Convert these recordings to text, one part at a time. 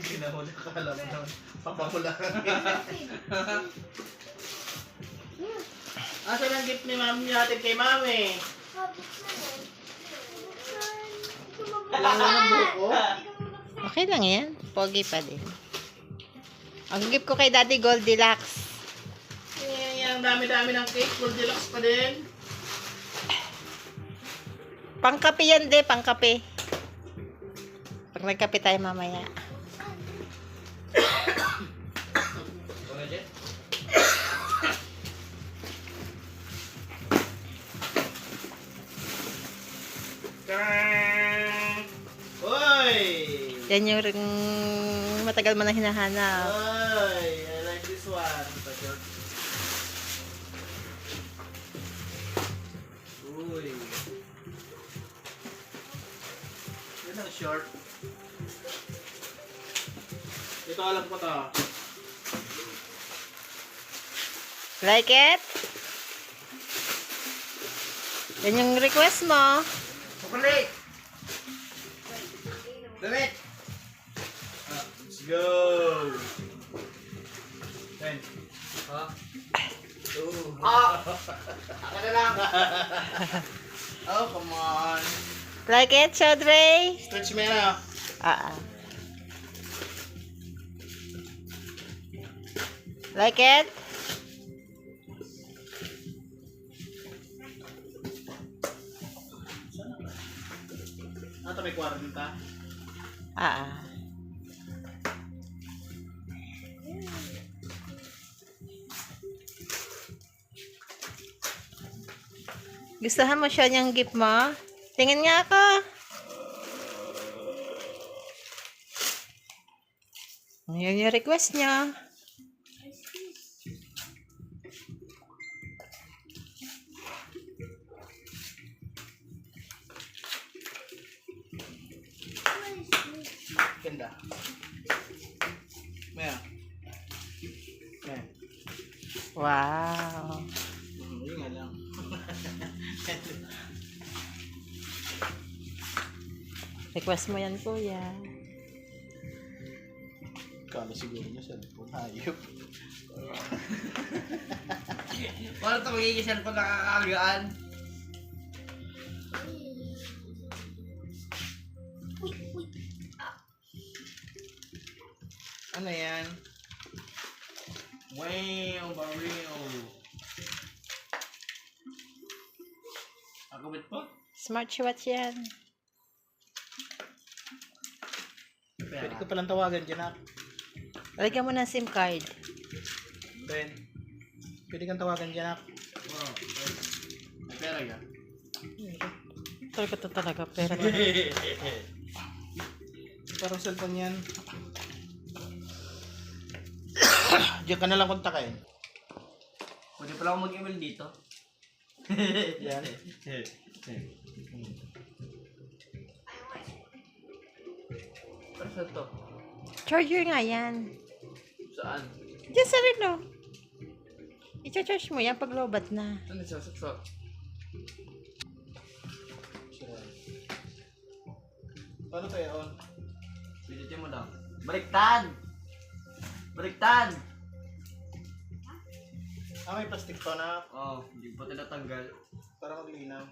pinahuli, akala mo naman. Papahula. Asan ang gift ni mami natin kay mami? Wala ng buko? Okay lang yan. Pogi pa din. Ang gift ko kay Daddy Goldilocks. Ang dami-dami ng cake. Goldilocks pa din. Pangkape yan de, pangkape. Pag nagkape tayo mamaya. Oy! Yan yung matagal mo na hinahanap. Oy! I like this one. Uy! Yan ang short. Ito alam ko to. Like it? Yan yung request mo. Chocolate! Damit! Let's go! Ten. Ha? Ako na lang! Oh, come on! Like it, Chodre? Stretch mo yan ah! Like it? Ito may kwarang ka? Gustuhan mo siya niyang gift mo? Tingin nga ako. Yan yung request niya. Ganda. Maya. Maya. Wow. Hindi nga lang. Request mo yan, kuya. Kala siguro niya cellphone. Hayop. Paano ito magiging cellphone nakakagaan? Ano yan? Wow, barrio. Akabit po? Smartwatch yan. Pwede ko palang tawagan dyan ah. Lagyan mo ng SIM card. Ben. Pwede kang tawagan dyan ah. Oo. May pera ka? Talaga to talaga. Pero Parang cellphone yan. Diyan ka na lang kontakin. Pwede pala ako mag-email dito. Yan. Pero saan to? charger nga yan. Saan? Diyan sa relo. I-charge mo yan pag lobat na. Saan sa saksak? Paano tayo on? Pilitin mo lang. Baliktad! Baliktad! May plastic to na Oo, hindi pa tinatanggal. para maglinaw.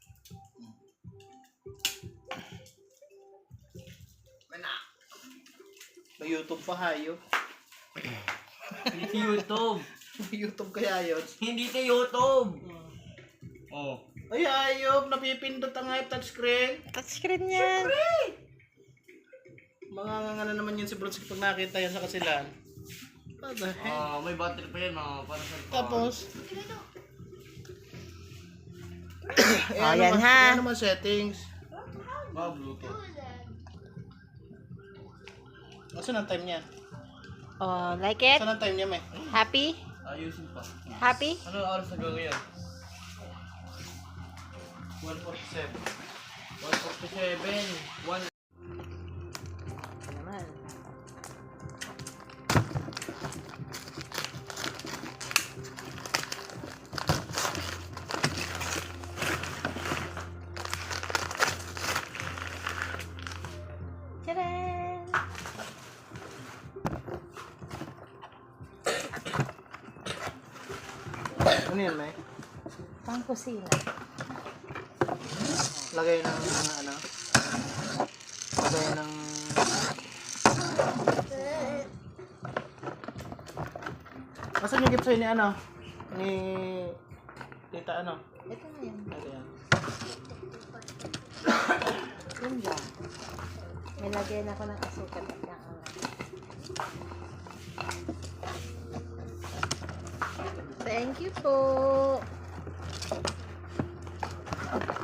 May YouTube pa hayop. Hindi sa YouTube! May YouTube kaya yun. Hindi sa YouTube! Oo. Ay hayop, napipindot ang hayop touchscreen. Touchscreen yan. Mga nga na naman yun si Bronze pag nakita yan sa kasilan. What the heck? May battery pa yan para sa Tapos, Yan ha. Ano naman settings? Bluetooth. Saan ang time niya? Oh, like it? Saan ang time niya, may? Happy? Ayusin pa. Happy? Ano oras na gawin yan? 147. 147. Naman. Tcharam! Ano yan, May? Pang kusina. Lagay ng ano? Lagay ng... Nasaan yung gift sa'yo ni ano? Ni... Tita ano? Ito na yan. Ito yan. Yun lang. May lagyan ako ng asukal at ng ano. Thank you po.